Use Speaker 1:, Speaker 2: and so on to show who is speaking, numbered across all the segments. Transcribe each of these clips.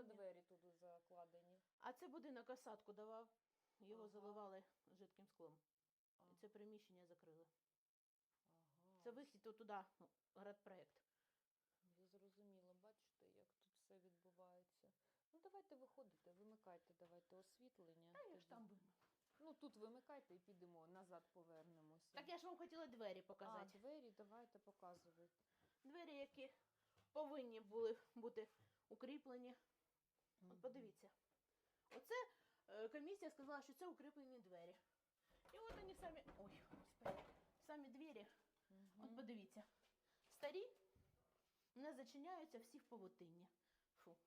Speaker 1: двері туди закладені?
Speaker 2: А це будинок осадку давав, його
Speaker 1: Ага.
Speaker 2: заливали жидким склом.
Speaker 1: Ага.
Speaker 2: І це приміщення закрили.
Speaker 1: Ага.
Speaker 2: Це вихід туди, градпроект.
Speaker 1: Я зрозуміла, бачите, як тут все відбувається. Ну, давайте виходите, вимикайте, давайте освітлення.
Speaker 2: Та я
Speaker 1: тоді.
Speaker 2: ж там був.
Speaker 1: Ну, тут вимикайте і підемо, назад повернемося.
Speaker 2: Так я ж вам хотіла двері показати.
Speaker 1: А, двері давайте показувати.
Speaker 2: Двері, які повинні були бути укріплені. От подивіться. Оце комісія сказала, що це укріплені двері. І от вони самі, ой, господи, самі двері. От подивіться. Старі, не зачиняються, всі в павутинні. Фу.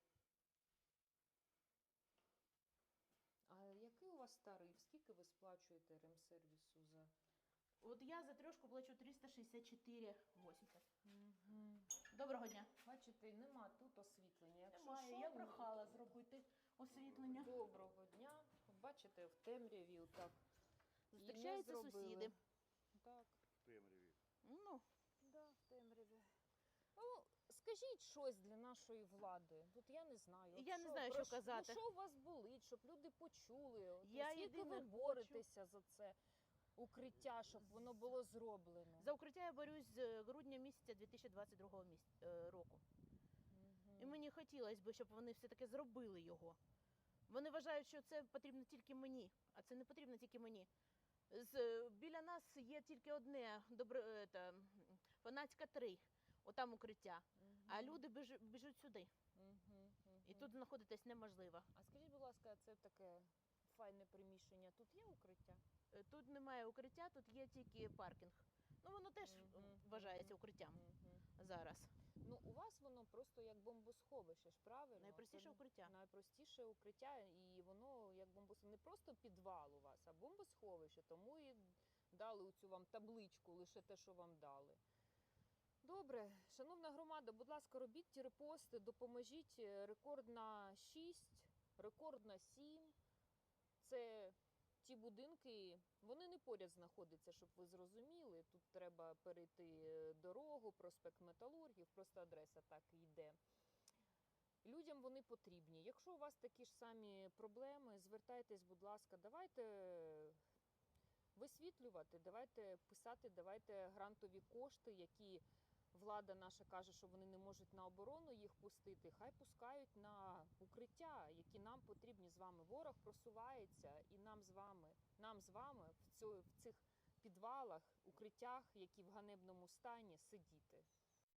Speaker 1: А який у вас тариф? Скільки ви сплачуєте ремсервісу за...
Speaker 2: От я за трьошку плачу 364,80. Доброго дня.
Speaker 1: Бачите, нема тут освітлення. Якщо
Speaker 2: Немає,
Speaker 1: що,
Speaker 2: я
Speaker 1: ну,
Speaker 2: прохала зробити освітлення.
Speaker 1: Доброго дня. Бачите, в темряві так.
Speaker 2: Зустрічаються сусіди.
Speaker 1: Так.
Speaker 3: В темряві.
Speaker 2: Ну,
Speaker 1: Да, в темряві. Ну, скажіть щось для нашої влади. От я не знаю. От
Speaker 2: Я не знаю,
Speaker 1: про
Speaker 2: що казати.
Speaker 1: Ну, що у вас болить, щоб люди почули? От,
Speaker 2: Я
Speaker 1: скільки
Speaker 2: єдине
Speaker 1: ви боретеся за це укриття, щоб воно було зроблено?
Speaker 2: за укриття я борюсь з грудня місяця 2022 року.
Speaker 1: Мгм.
Speaker 2: І мені хотілося б, щоб вони все-таки зробили його. Вони вважають, що це потрібно тільки мені, а це не потрібно тільки мені. Біля нас є тільки одне, Фанатська 3, отам укриття. А люди біжуть сюди.
Speaker 1: Мгм, мгм.
Speaker 2: І тут знаходитись неможливо.
Speaker 1: А скажіть, будь ласка, це таке файне приміщення. Тут є укриття?
Speaker 2: Тут немає укриття, тут є тільки паркінг. Ну, воно теж вважається укриттям зараз.
Speaker 1: Ну, у вас воно просто як бомбосховище, ж правильно?
Speaker 2: Найпростіше
Speaker 1: Це
Speaker 2: укриття.
Speaker 1: Найпростіше укриття, і воно як бомбосховище. Не просто підвал у вас, а бомбосховище. Тому і дали цю вам табличку, лише те, що вам дали. Добре, шановна громада, будь ласка, робіть ті репости, допоможіть. Рекорд на 6, рекорд на 7. Це ті будинки, вони не поряд знаходяться, щоб ви зрозуміли. Тут треба перейти дорогу, проспект Металургів, просто адреса так і йде. Людям вони потрібні. Якщо у вас такі ж самі проблеми, звертайтесь, будь ласка, давайте висвітлювати, давайте писати, давайте грантові кошти, які влада наша каже, що вони не можуть на оборону їх пустити, хай пускають на укриття, які нам потрібні з вами. Ворог просувається, і нам з вами в цих підвалах, укриттях, які в ганебному стані, сидіти.